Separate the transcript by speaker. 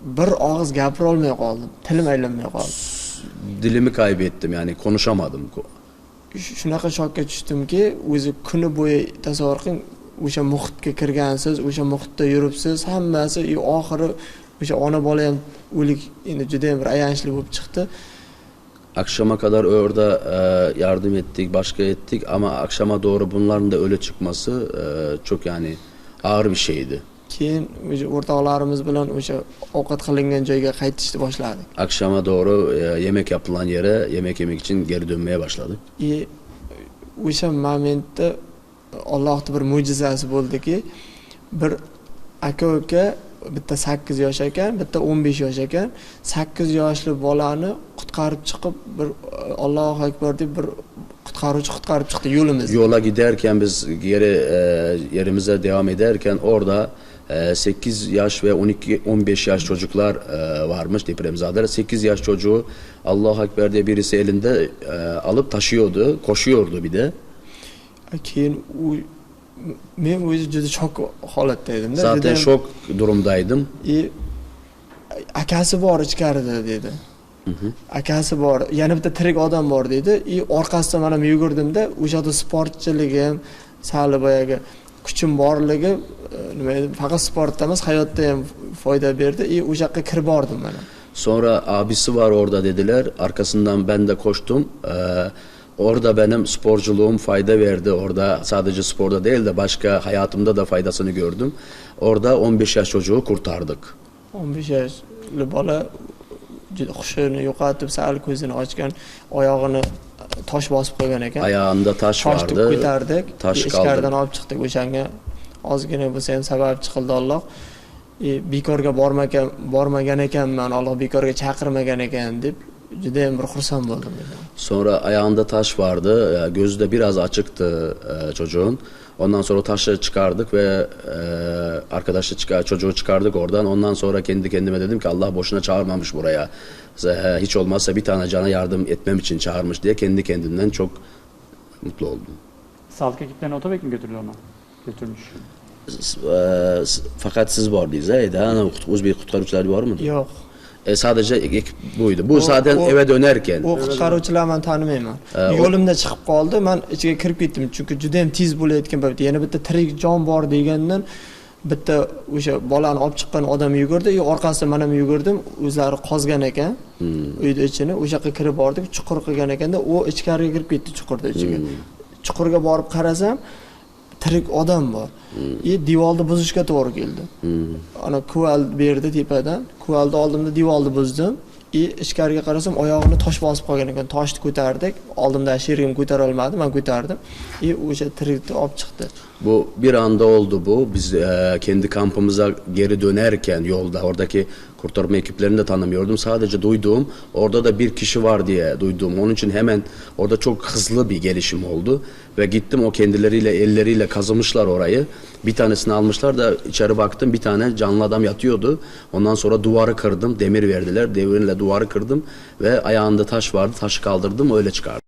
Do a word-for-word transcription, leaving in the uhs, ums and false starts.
Speaker 1: bir og'iz gapira olmay qoldim. Tilim aylanmay qoldi.
Speaker 2: Dilimi kaybettim, yani konuşamadım.
Speaker 1: Shunaqa shokka tushdimki, o'zi kuni bo'yi tasavvur qiling, o'sha muhitga kirgansiz, o'sha muhitda yuribsiz, hammasi oxiri o'sha ona bola ham o'lik, endi juda ham bir ayanchli bo'lib chiqdi.
Speaker 2: Akşama kadar orada e, yardım ettik, başka ettik ama akşama doğru bunların da öyle çıkması e, çok yani ağır bir şeydi.
Speaker 1: Keyin o'sha o'rtoqlarimiz bilan o'sha ovqat qilingan joyga qaytishni boshladik.
Speaker 2: Akşama doğru e, yemek yapılan yere yemek yemek için geri dönmeye başladık.
Speaker 1: E, o'sha momentda Allohning bir mo'jizasi bo'ldiki, bir aka-uka, bitta sakkiz yosh ekan, bitta o'n besh yosh ekan, sakkiz yoshli bolani qutqarib chiqib, bir Allohu akbar deb bir qutqaruvchi qutqarib chiqdi yo'limizda.
Speaker 2: Yola giderken biz geri e, yerimize devam ederken orada e, sekiz yaş ve on iki on beş yaş çocuklar e, varmış, depremzadeler. sekiz yaş çocuğu Allahu Ekber diye birisi elinde e, alıp taşıyordu, koşuyordu bir de.
Speaker 1: Keyin u men o'zi juda shok holatda edim.
Speaker 2: Zaten şok durumdaydım.
Speaker 1: E, akasi bor ichkarida dedi. Akasi bor, yana bitta tirik odam bor dedi. E, orqasidan men ham yugurdimda, o'sha yerda sportchiligim, sal boyaga kuchim borligi, nima edi, faqat sportda emas, hayotda ham foyda berdi. E, o'sha yoqqa kirib bordim men.
Speaker 2: Sonra abisi var orada dediler. Arkasından ben de koştum. Ee, orada benim sporculuğum fayda verdi. Orada sadece sporda değil de başka hayatımda da faydasını gördüm. Orada on beş yaş çocuğu kurtardık.
Speaker 1: o'n besh yoshli bola juda hushini yo'qotib, sal ko'zini ochgan, oyog'ini tosh bosib qo'ygan ekan.
Speaker 2: Ayağında taş vardı.
Speaker 1: Toshni ko'tardik,
Speaker 2: Taş
Speaker 1: ichkaridan
Speaker 2: kaldı.
Speaker 1: olib chiqdik. O'shanga ozgina bo'lsa ham sababchi qildi Alloh. E, bekorga bormagan bormagan ekanman, Alloh bekorga chaqirmagan ekan deb juda ham bir xursand bo'ldim.
Speaker 2: Sonra ayağında taş vardı. Gözü de biraz açıktı e, çocuğun. Ondan sonra o taşı çıkardık ve e, arkadaşı çıkar, çocuğu çıkardık oradan. Ondan sonra kendi kendime dedim ki Allah boşuna çağırmamış buraya. E, hiç olmazsa bir tane cana yardım etmem için çağırmış diye kendi kendimden çok mutlu oldum.
Speaker 3: Sağlık ekiplerine otobek mi götürüyor onu? Götürmüş.
Speaker 2: E, fakat siz vardınız. Hani Uzbek qutqaruvchilari var mı?
Speaker 1: Yo'q.
Speaker 2: E, sadece ekip buydu. Bu
Speaker 1: O-
Speaker 2: zaten
Speaker 1: o-
Speaker 2: eve dönerken.
Speaker 1: U qutqaruvchilarni men tanimayman.
Speaker 2: Ee, o-
Speaker 1: Yo'limda chiqib qoldi, men ichiga kirib ketdim, chunki juda ham tez bo'layotgan paytda yana bitta tirik jon bor degandan bitta o'sha bolani olib chiqqan odam yugurdi, e, orqasidan men ham yugurdim, o'zlari qozgan ekan. Uyda ichini o'sha yoqqa kirib bordik, chuqur qilgan ekanda, u ichkariga kirib ketdi chuqurda ichiga. Chuqurga borib qarasam, tirik odam bor. E, devorni buzishga to'g'ri keldi. Ana kuval berdi tepadan, kuvalni oldimda devorni buzdim. E, ichkariga qarasam, oyog'ini tosh bosib qolgan ekan. Toshni ko'tardik. Oldimda sherigim ko'tara olmadi, men ko'tardim. E, o'sha tirikni olib chiqdi.
Speaker 2: Bu bir anda oldu bu. Biz e, kendi kampımıza geri dönerken yolda oradaki kurtarma ekiplerini de tanımıyordum. Sadece duyduğum orada da bir kişi var diye duyduğum. Onun için hemen orada çok hızlı bir gelişim oldu. Ve gittim, o kendileriyle elleriyle kazımışlar orayı. Bir tanesini almışlar da içeri baktım, bir tane canlı adam yatıyordu. Ondan sonra duvarı kırdım, demir verdiler. Demirle duvarı kırdım ve ayağında taş vardı. Taşı kaldırdım, öyle çıkardım.